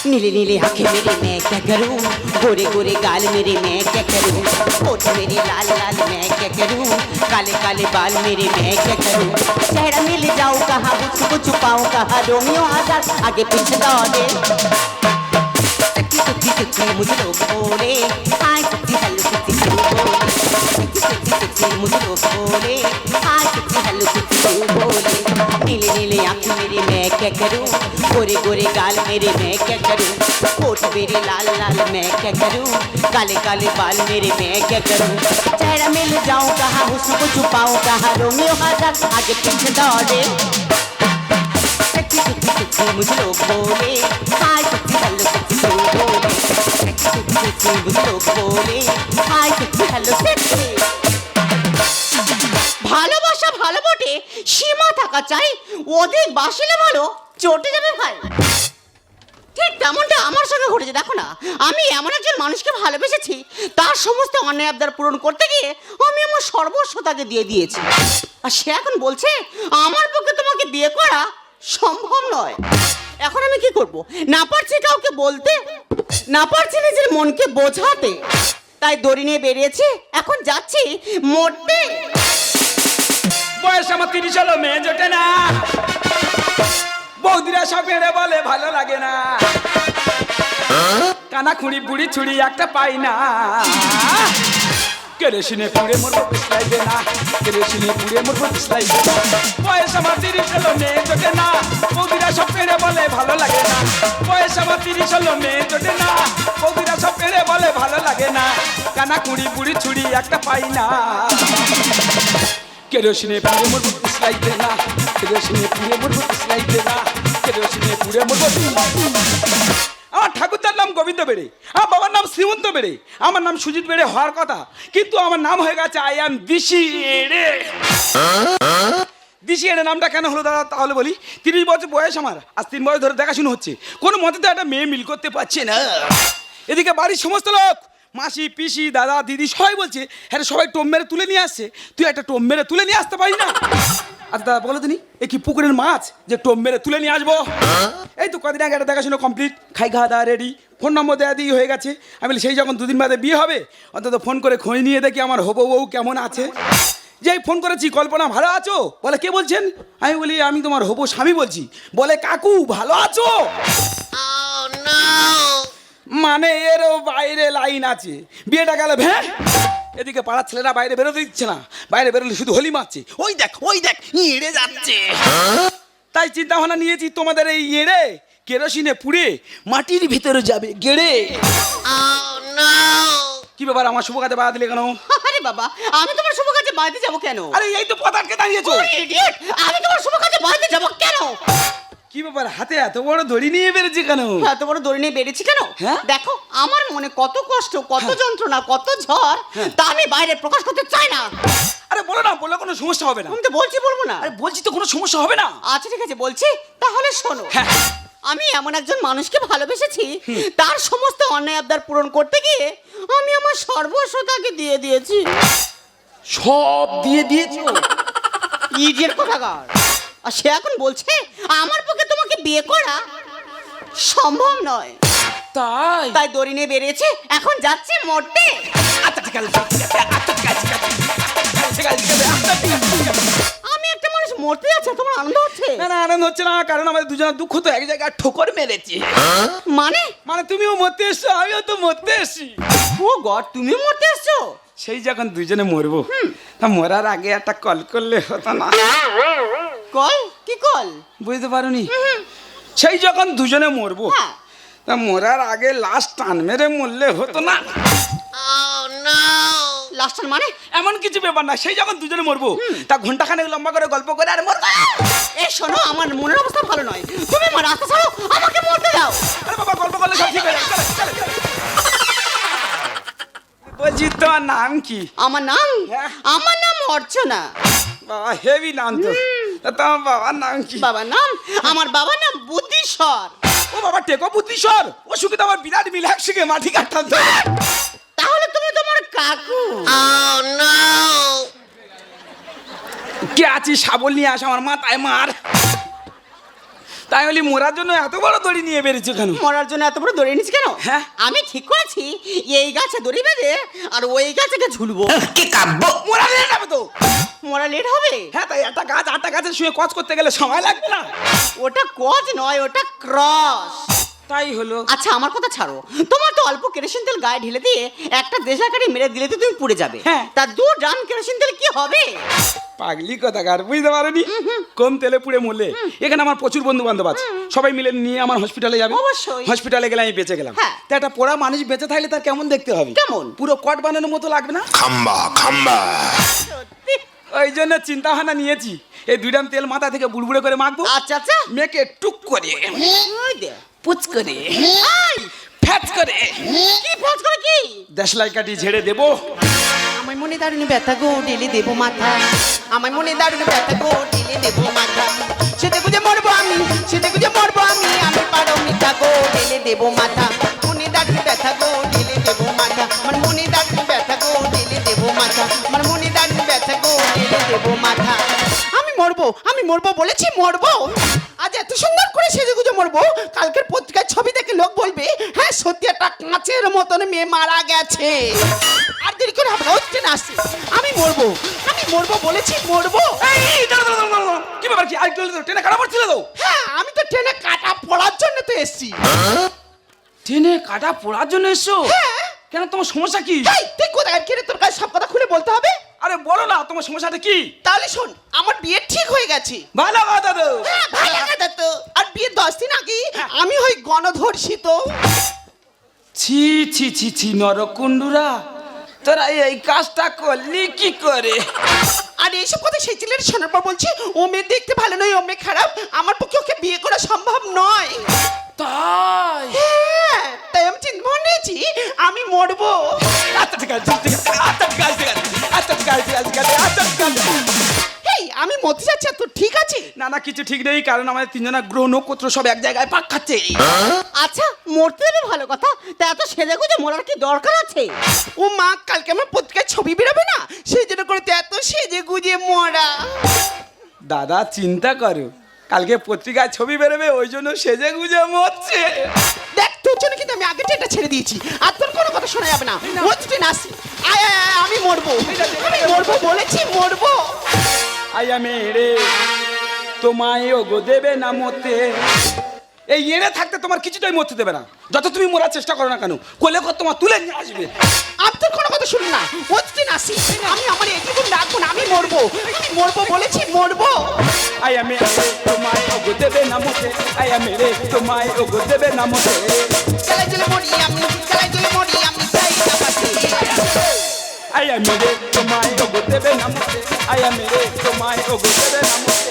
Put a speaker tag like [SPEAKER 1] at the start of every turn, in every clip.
[SPEAKER 1] नीले नीले आंखें मेरे मैं क्या करूं, गोरे गोरे गाल मेरे मैं क्या करूं, होठ मेरे लाल लाल मैं क्या करूं, काले काले बाल मेरे मैं क्या करूं, चेहरा मिल जाऊं कहाँ उसको छुपाऊं कहाँ, रोमियो आजाद आगे पीछे दौड़े, सच्ची सच्ची सच्ची मुझे लोग बोले, हाय सच्ची हेलो सच्ची तू बोले, सच्ची सच्ची सच्ची मुझे लोग बोले, हाय सच्ची हेलो सच्ची तू बोले, नीले नीले आंखें मेरे मैं क्या करूं, गोरे गोरे गाल मेरे मैं क्या करूं, होठ मेरे लाल लाल मैं क्या करूं, काले काले बाल मेरे मैं क्या करूं, चेहरा मिल जाऊं कहाँ हुस्न को छुपाऊं कहाँ, रोमियो आजाद आगे पीछे दौड़े, सच्ची सच्ची सच्ची मुझे लोग बोले, हाय सच्ची हेलो सच्ची तू बोले, सच्ची सच्ची सच्ची मुझे लोग बोले, हाय सच्ची हेलो सच्ची। ভালোবাসা ভালো বটে, সীমা থাকা চাই, অধিক বাসিলে ভালো চটে যাবে ভাই। ঠিক তেমনটা আমার সঙ্গে ঘটেছে। দেখো না, আমি এমন একজন মানুষকে ভালোবেসেছি, তার সমস্ত অন্যায় আবদার পূরণ করতে গিয়ে আমি আমার সর্বস্ব তাকে দিয়ে দিয়েছি, আর সে এখন বলছে আমার পক্ষে তোমাকে বিয়ে করা সম্ভব নয়। এখন আমি কি করব? না পারছি কাউকে বলতে, না পারছি নিজের মনকে বোঝাতে, তাই দড়ি নিয়ে বেরিয়েছি, এখন যাচ্ছি মরতে।
[SPEAKER 2] বয়স আমার 30 হলো, মেয়ে জোটে না, বৌদিরা সব এড়ে বলে ভালো লাগে না, কানা খুঁড়ি বুড়ি ছুড়ি একটা পাই না, কেরোসিনে পুড়ে মরবো পিছলাইবে না, কেরোসিনে পুড়ে মরবো পিছলাইবে না, বয়স আমার 30 হলো, মেয়ে জোটে না, বৌদিরা সব এড়ে বলে ভালো লাগে না, বয়স আমার 30 হলো, মেয়ে জোটে না, বৌদিরা সব এড়ে বলে ভালো লাগে না, কানা খুঁড়ি বুড়ি ছুড়ি একটা পাই না, কেরোসিনে পুড়ে মরবো পিছলাইবে না, কেরোসিনে পুড়ে মরবো পিছলাইবে না, কেরোসিনে পুড়ে মরবো। আমার ঠাকুরদার নাম গোবিন্দ বেড়ে, আমার বাবার নাম শ্রীমন্ত বেড়ে, আমার নাম সুজিত বেড়ে হওয়ার কথা, কিন্তু আমার নাম হয়ে গেছে আই অ্যাম দিশি এড়ে। দিশি এড়ে নামটা কেন হলো দাদা তাহলে বলি। 30 বছর বয়স আমার, আজ 3 বছর ধরে দেখাশুনো হচ্ছে, কোনো মতে তো একটা মেয়ে মিল করতে পারছে না। এদিকে বাড়ির সমস্ত লোক, মাসি পিসি দাদা দিদি সবাই বলছে, হ্যাঁ সবাই টোম মেরে তুলে নিয়ে আসছে, তুই একটা টোম মেরে তুলে নিয়ে আসতে পারি না? আচ্ছা দাদা বলো তুমি, এ কি পুকুরের মাছ যে টোম মেরে তুলে নিয়ে আসবো? এই তো কদিন আগে একটা দেখাশুনো কমপ্লিট, খাই খাওয়া দাওয়া রেডি, ফোন নম্বর দেওয়া দিয়ে হয়ে গেছে। আমি বলি সেই যখন 2 দিন বাদে বিয়ে হবে, অন্তত ফোন করে খোঁজ নিয়ে দেখি আমার হবু বউ কেমন আছে। যেই ফোন করেছি, কল্পনা ভালো আছো? বলে কে বলছেন? আমি বলি আমি তোমার হবু স্বামী বলছি। বলে কাকু ভালো আছো? মানে এরও বাইরে লাইন আছে, বিয়েটা গেল ভ্যাঁ। এদিকে পাড়ার ছেলেরা বাইরে বেরোতে দিচ্ছে না, বাইরে বেরোলে শুধু হোলি মারছে, ওই দেখ এড়ে যাচ্ছে। তাই চিন্তা ভাবনা নিয়েছি, তোমাদের এই এড়ে কেরোসিনে পুড়ে মাটির ভিতরে যাবে গেড়ে। কি ব্যাপার, আমার শুভ কাজে বাধা দিলে কেন?
[SPEAKER 1] আরে বাবা, আমি তোমার শুভ কাজে বাড়িতে যাবো কেন?
[SPEAKER 2] আরে এই তো পদার্থকে দাঁড়িয়েছো।
[SPEAKER 1] আমি তোমার শুভ কাজে বাড়িতে যাবো কেন?
[SPEAKER 2] কি ব্যাপার, হাতে এত বড় দড়ি নিয়ে বেরোচ্ছে কেন?
[SPEAKER 1] এত বড় দড়ি নিয়ে বেরিয়েছি কেন?
[SPEAKER 2] হ্যাঁ?
[SPEAKER 1] দেখো আমার মনে কত কষ্ট, কত যন্ত্রণা, কত ঝড়, তা আমি বাইরে প্রকাশ করতে চাই না।
[SPEAKER 2] আরে বলো না, বললে কোনো সমস্যা হবে না।
[SPEAKER 1] আমি তো বলছি, বলবো না?
[SPEAKER 2] আরে বলছি তো কোনো সমস্যা হবে না।
[SPEAKER 1] আচ্ছা ঠিক আছে বলছি, তাহলে শোনো।
[SPEAKER 2] হ্যাঁ।
[SPEAKER 1] আমি এমন একজন মানুষকে ভালোবেসেছি, তার সমস্ত অন্যায় আবদার পূরণ করতে গিয়ে আমি আমার সর্বস্ব তাকে দিয়ে দিয়েছি।
[SPEAKER 2] সব দিয়ে দিয়েছো?
[SPEAKER 1] ইডিয়েট কোথাকার। আর সে এখন বলছে আমার পক্ষে তোমাকে বিয়ে করা সম্ভব নয়। তাই দড়ি নিয়ে বেরিয়েছে, এখন যাচ্ছে মরতে।
[SPEAKER 2] আচ্ছা ঠিক আছে,
[SPEAKER 1] আমি একটা মানুষ মরতে যাচ্ছে, তোমার আনন্দ হচ্ছে?
[SPEAKER 2] না না আনন্দ হচ্ছে না, কারণ আমাদের দুজনের দুঃখ তো এক জায়গায় ঠোকর মেরেছে।
[SPEAKER 1] মানে
[SPEAKER 2] তুমিও মরতে এসছো, আমিও তো মরতে এসছি।
[SPEAKER 1] ও গড, তুমিও মরতে এসছো?
[SPEAKER 2] সেই যখন দুজনে মরবো, তা মরার আগে একটা কল করলে হতো না?
[SPEAKER 1] কল? কি কল?
[SPEAKER 2] বুঝতে পারোনি? সেই যখন দুজনে মরবো,
[SPEAKER 1] হ্যাঁ।
[SPEAKER 2] তা মরার আগে লাস্ট টান মেরে মরলে হতো না?
[SPEAKER 1] লাস্ট মানে?
[SPEAKER 2] এমন কিছু ব্যাপার না, সেই যখন দুজনে মরবো, তা ঘন্টাখানেক লম্বা করে গল্প করে আর মরবো।
[SPEAKER 1] এ শোনো, আমার মনের অবস্থা ভালো নয়, তুমি আমার রাস্তা ছাড়ো, আমাকে মরতে দাও।
[SPEAKER 2] আরে বাবা, গল্প করলে সব ঠিক হয়ে যাবে। বলছি তোমার নাম কি?
[SPEAKER 1] আমার নাম? আমার নাম অর্চনা।
[SPEAKER 2] বাবা হেভি নাম তো। তোমার বাবার নাম কি?
[SPEAKER 1] বাবার নাম? আমার বাবার নাম বুদ্ধিশ্বর।
[SPEAKER 2] ও বাবা, টেকো বুদ্ধিশ্বর। ও সুখে তো আমার বিরাট মিল, একসঙ্গে মাটি কাটতাম তো।
[SPEAKER 1] তাহলে তুমি তোমার কাকু।
[SPEAKER 2] কে আছিস? শাবল নিয়ে আস, আমার মাথায় মার। তাই বলি মোরার জন্য এত বড় দড়ি নিয়ে বেরিয়েছো কেন?
[SPEAKER 1] মরার জন্য এত বড় দড়ি নিস কেন?
[SPEAKER 2] হ্যাঁ।
[SPEAKER 1] আমি ঠিক করেছি এই গাছে দড়ি বেঁধে আর ওই গাছে ঝুলবো।
[SPEAKER 3] কি কাব্য!
[SPEAKER 2] মোরা লেট হবে তো।
[SPEAKER 1] মরা লেট হবে?
[SPEAKER 2] হ্যাঁ, তাই একটা গাছ আটটা গাছের শুয়ে কচ করতে গেলে সময় লাগবে না?
[SPEAKER 1] ওটা কজ নয়, ওটা ক্রস।
[SPEAKER 2] তাই হলো।
[SPEAKER 1] আচ্ছা আমার কথা ছাড়ো, তোমার তো অল্প কেরোসিন তেল গায়ে ঢেলে দিয়ে একটা দেশা কাঠি মেরে দিলে তো তুমি পুড়ে যাবে।
[SPEAKER 2] হ্যাঁ।
[SPEAKER 1] তা 2 ড্রাম কেরোসিন তেল কি হবে?
[SPEAKER 2] পাগলি কথাকার, বুঝতে পারোনি? কম তেলে পুড়ে মরলে। এখানে আমার প্রচুর বন্ধু বান্ধব আছে, সবাই মিলে নিয়ে আমার হসপিটালে যাবে।
[SPEAKER 1] অবশ্যই।
[SPEAKER 2] হসপিটালে গেলে আমি বেঁচে গেলাম।
[SPEAKER 1] হ্যাঁ।
[SPEAKER 2] তা একটা পোড়া মানুষ বেঁচে থাকলে তার কেমন দেখতে হবে?
[SPEAKER 1] কেমন?
[SPEAKER 2] পুরো কট বানানোর মতো লাগবে না?
[SPEAKER 3] খাম্বা খাম্বা!
[SPEAKER 1] সত্যি?
[SPEAKER 2] ওই জন্য চিন্তা ভাবনা নিয়েছি, এই 2 ড্রাম তেল মাথা থেকে বুড়বুড়ে করে মাখবো,
[SPEAKER 1] আচ্ছা আচ্ছা।
[SPEAKER 2] মেখে টুক করে,
[SPEAKER 1] ওই দে।
[SPEAKER 2] পুচ করে,
[SPEAKER 1] এই,
[SPEAKER 2] ফ্যাচ করে,
[SPEAKER 1] কি ফোজ করে কি?
[SPEAKER 2] দেশলাই কাটি ঝেড়ে দেবো।
[SPEAKER 1] আমার মনে দারুণ ব্যথা গো, ঢেলে দেবো মাথা। আমার মনে দারুণ ব্যথা গো, ঢেলে দেবো মাথা। সেটা গুজে মরবো আমি, সেটা গুজে মরবো আমি। আমি পারো মিঠা গো, ঢেলে দেবো মাথা। মনে দারুণ ব্যথা গো, ঢেলে দেবো মাথা। আমার মনে দারুণ ব্যথা গো, ঢেলে দেবো মাথা। আমার মনে দারুণ ব্যথা গো, ঢেলে দেবো মাথা। আমি মরবো বলেছি, মরবো। আজ এত সুন্দর করে সেজে গুজে মরবো, কালকের পত্রিকায় ছবি দেখে লোক বলবে হ্যাঁ সত্যি একটা কাঁচের মতন মেয়ে মারা গেছে। আর দেরি করে হবে না, হচ্ছে না আসছে। আমি মরবো বলেছি, মরবো।
[SPEAKER 2] এই, দাঁড়াও, দাঁড়াও, দাঁড়াও, দাঁড়াও। কি ব্যাপার কি? আর একটু হলে তো ট্রেনে কাটা পড়ছিল তো।
[SPEAKER 1] হ্যাঁ আমি তো ট্রেনে কাটা পড়ার জন্য তো এসছি।
[SPEAKER 2] ট্রেনে কাটা পড়ার জন্য এসছো?
[SPEAKER 1] হ্যাঁ।
[SPEAKER 2] কেন, তোমার সমস্যা কি?
[SPEAKER 1] এই, তুই কোথায় কিরে? তোর কাছে সব কথা খুলে বলতে হবে।
[SPEAKER 2] আরে বলো না, তোমার সমস্যাটা কি?
[SPEAKER 1] তাহলে শোন, আমার বিয়ে ঠিক হয়ে গেছে।
[SPEAKER 2] ভালো কথা তো।
[SPEAKER 1] হ্যাঁ ভালো কথা তো। আর বিয়ের 10 দিন আগে আমি হই গণধর্ষিত।
[SPEAKER 2] ছি ছি ছি ছি, নরকুণ্ডুরা, তোরা এই কাজটা করলি কি করে?
[SPEAKER 1] আর এইসব কথা সেই ছেলের শোনার পর বলছি ও মেয়ে দেখতে ভালো নয়, ও মেয়ে খারাপ, আমার পক্ষে ওকে বিয়ে করা সম্ভব নয়।
[SPEAKER 2] তাই?
[SPEAKER 1] হ্যাঁ, তাই আমি চিন্তা ভাবনা নিয়েছি আমি মরবো।
[SPEAKER 2] আচ্ছা ঠিক আছে, ঠিক আছে, আচ্ছা ঠিক আছে, ঠিক আছে, আচ্ছা ঠিক আছে, ঠিক আছে, ঠিক আছে, আচ্ছা ঠিক আছে।
[SPEAKER 1] এই আমি মরতে যাচ্ছি, আর তোর ঠিক আছে?
[SPEAKER 2] না না, কিছু ঠিক নেই, কারণ আমাদের 3 জনের গ্রহ নক্ষত্র সব এক জায়গায় পাক খাচ্ছে।
[SPEAKER 1] আচ্ছা মরতে দেবে ভালো কথা, তা এত সেজে গুজে মরার কি দরকার আছে? ও মা, কালকে আমার পত্রিকায় ছবি বেরোবে না, সেই জন্য করে তো এত সেজে গুজে মরা।
[SPEAKER 2] দাদা চিন্তা করো, কালকে পত্রিকায় ছবি বেরোবে, ওই জন্য সেজে গুজে মরছে।
[SPEAKER 1] দেখ তোর জন্য কিন্তু আমি আগে ট্রেনটা ছেড়ে দিয়েছি, আর তোর কোনো কথা শোনা যাবে না। মরতে ট্রেন আসি। আয় আয় আয়, আমি মরবো, আমি মরবো বলেছি, মরবো।
[SPEAKER 2] আয়া মেরে তোমায় ওগো দেবে না মতে। এই এড়ে থাকতে তোমার কিছুটাই মরতে দেবে না, যত তুমি মরার চেষ্টা করো না কেন, কোলে কর তোমার তুলে নিয়ে আসবে।
[SPEAKER 1] আমি তোর কোনো কথা শুনি না, মরতে ট্রেন আসি। আমি আমার এই জীবন রাখবো না, আমি মরবো, আমি মরবো বলেছি, মরবো।
[SPEAKER 2] আয়া মেরে তোমায় ওগো দেবে না মতে, আয়া মেরে তোমায় ওগো দেবে না মতে।
[SPEAKER 1] চালাই চলে মরি আমি, চালাই চলে মরি আমি, চাই না বাঁচি।
[SPEAKER 2] আয়া মেরে তোমায় ওগো দেবে না মতে, আয়া মেরে তোমায় ওগো দেবে না মতে।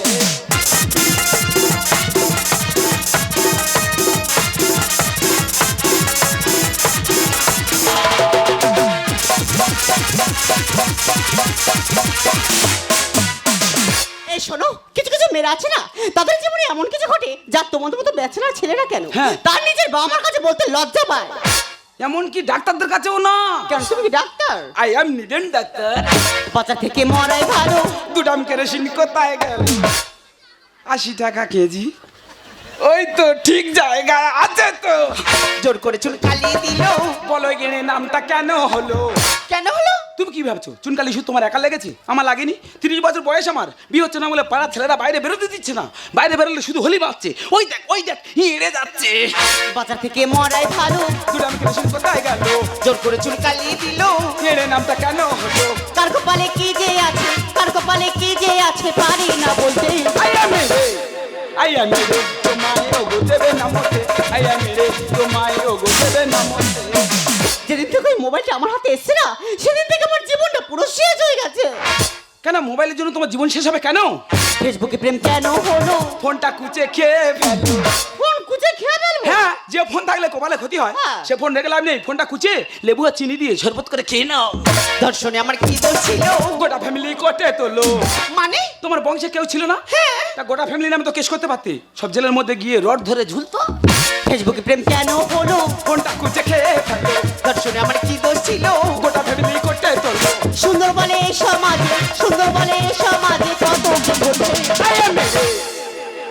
[SPEAKER 1] এই শোনো, কিছু কিছু মেয়েরা আছে না, তাদের জীবনে এমন কিছু ঘটে যা তোমাদের মতো ব্যাচেলার ছেলেরা কেন
[SPEAKER 2] হ্যাঁ।
[SPEAKER 1] তার নিজের বাবা মার কাছে বলতে লজ্জা পায়।
[SPEAKER 2] এমনকি ডাক্তারদের কাছেও না।
[SPEAKER 1] কেন, তুমি কি doctor?
[SPEAKER 2] I am needed doctor.
[SPEAKER 1] বাচ্চা থেকে মরাই ভালো।
[SPEAKER 2] 2 ড্রাম কেরোসিন কোথায় গেল? 80 টাকা কেজি। ওই তো ঠিক জায়গায় আছে তো।
[SPEAKER 1] জোর করে চুল কালিয়ে দিল।
[SPEAKER 2] বলো গেনে নামটা কেন হলো?
[SPEAKER 1] কেন হলো?
[SPEAKER 2] তুমি কি ভাবছো চুনকালি শুধু তোমার একা লেগেছে? আমার লাগেনি। 30 বছর বয়স আমার, বিয়ে হচ্ছে না বলে পাড়ার ছেলেরা বাইরে বেরোতে দিচ্ছে না। বাইরে বেরোলে শুধু হোলি বাজছে। ওই দেখ হিঁড়ে যাচ্ছে।
[SPEAKER 1] বাচ্চা থেকে মরাই ভালো।
[SPEAKER 2] 2 ড্রাম কেরোসিন কোথায় গেল?
[SPEAKER 1] জোর করে চুল কালিয়ে দিল।
[SPEAKER 2] হেড়ে নামটা কেন হলো?
[SPEAKER 1] কার কপালে কি যে আছে, কার কপালে কি যে আছে পারি না বলতে।
[SPEAKER 2] আইয়া মেরে তোমায় ওগো দেবে না মতে, আইয়া মেরে তোমায় ওগো দেবে না মতে।
[SPEAKER 1] যেদিন থেকে ওই মোবাইলটা আমার হাতে এসছে না, সেদিন থেকে আমার জীবনটা পুরো শেষ হয়ে গেছে।
[SPEAKER 2] কেন, মোবাইলের জন্য তোমার জীবন শেষ হবে কেন?
[SPEAKER 1] ফেসবুকে প্রেম কেন হলো?
[SPEAKER 2] ফোনটা কুচে খেয়ে ফেলো।
[SPEAKER 1] ফোন কুচে খেয়ে ফেলবো?
[SPEAKER 2] হ্যাঁ, যে ফোন থাকলে কপালে ক্ষতি হয়,
[SPEAKER 1] হ্যাঁ।
[SPEAKER 2] সে ফোন রেখে লাভ নেই। ফোনটা কুচে লেবু আর চিনি দিয়ে শরবত করে খেয়ে নাও।
[SPEAKER 1] দর্শনে আমার কি দোষ ছিল?
[SPEAKER 2] গোটা ফ্যামিলি কোটে তোলো।
[SPEAKER 1] মানে
[SPEAKER 2] তোমার বংশে কেউ ছিল না?
[SPEAKER 1] হ্যাঁ।
[SPEAKER 2] তা গোটা ফ্যামিলি নামে তো কেস করতে পারতে। সব জেলের মধ্যে গিয়ে রড ধরে ঝুলতো।
[SPEAKER 1] ফেসবুকে প্রেম কেন হলো?
[SPEAKER 2] ফোনটা কুচে খেয়ে ফেলো।
[SPEAKER 1] দর্শনে আমার কি দোষ ছিল?
[SPEAKER 2] গোটা ফ্যামিলি কোটে তোলো।
[SPEAKER 1] সুন্দর বলে এই সমাজে, সুন্দর বলে এই সমাজে কত কি বলছে।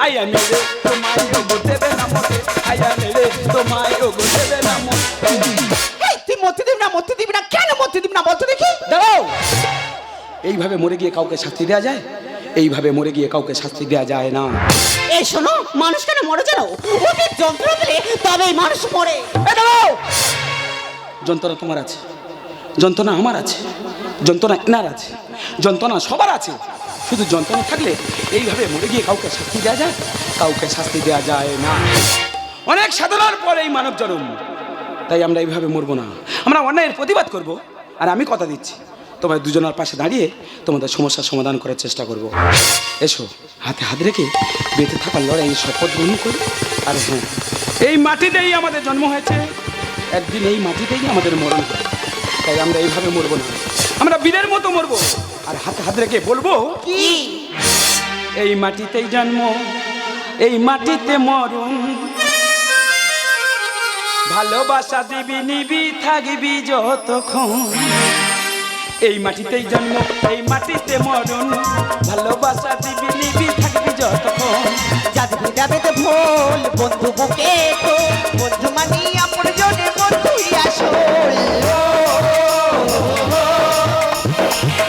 [SPEAKER 2] আইয়া মেরে তোমায় ওগো দেবে না মতে, আইয়া মেরে তোমায় ওগো দেবে না মতে।
[SPEAKER 3] এই তুই মরতে দিবি না, মরতে দিবি না, কেন মরতে দিবি না বলতো দেখি?
[SPEAKER 2] দাঁড়াও, এইভাবে মরে গিয়ে কাউকে শাস্তি দেওয়া যায়? এইভাবে মরে গিয়ে কাউকে শাস্তি দেওয়া যায় না।
[SPEAKER 1] এই শোনো, মানুষ কেন মরে জানো? ওদের যন্ত্রণা দিলে তবেই মানুষ মরে।
[SPEAKER 2] এই দাঁড়াও, যন্ত্রণা তোমার আছে, যন্ত্রণা আমার আছে, যন্ত্রণা এনার আছে, যন্ত্রণা সবার আছে। শুধু যন্ত্রণা থাকলে এইভাবে মরে গিয়ে কাউকে শাস্তি দেওয়া যায়? কাউকে শাস্তি দেওয়া যায় না। অনেক সাধনার পর এই মানব জন্ম, তাই আমরা এইভাবে মরবো না, আমরা অন্যায়ের প্রতিবাদ করব। আর আমি কথা দিচ্ছি, তোমার দুজনের পাশে দাঁড়িয়ে তোমাদের সমস্যার সমাধান করার চেষ্টা করব। এসো, হাতে হাত রেখে বেঁচে থাকার লড়াই শপথ গ্রহণ করি। আর হ্যাঁ, এই মাটিতেই আমাদের জন্ম হয়েছে, একদিন এই মাটিতেই আমাদের মরণ হবে। তাই আমরা এইভাবে মরবো না, আমরা বীরের মতো মরবো। আর হাতে হাত রেখে বলবো,
[SPEAKER 1] কি?
[SPEAKER 2] এই মাটিতেই জন্ম, এই মাটিতে মরণ, ভালোবাসা দিবি নিবি থাকবি যতক্ষণ। এই মাটিতেই জন্ম, এই মাটিতে মরণ, ভালোবাসা দিবি নিবি থাকবি যতক্ষণ।
[SPEAKER 1] যাদের যাবে তো ভুল বন্ধু বুকে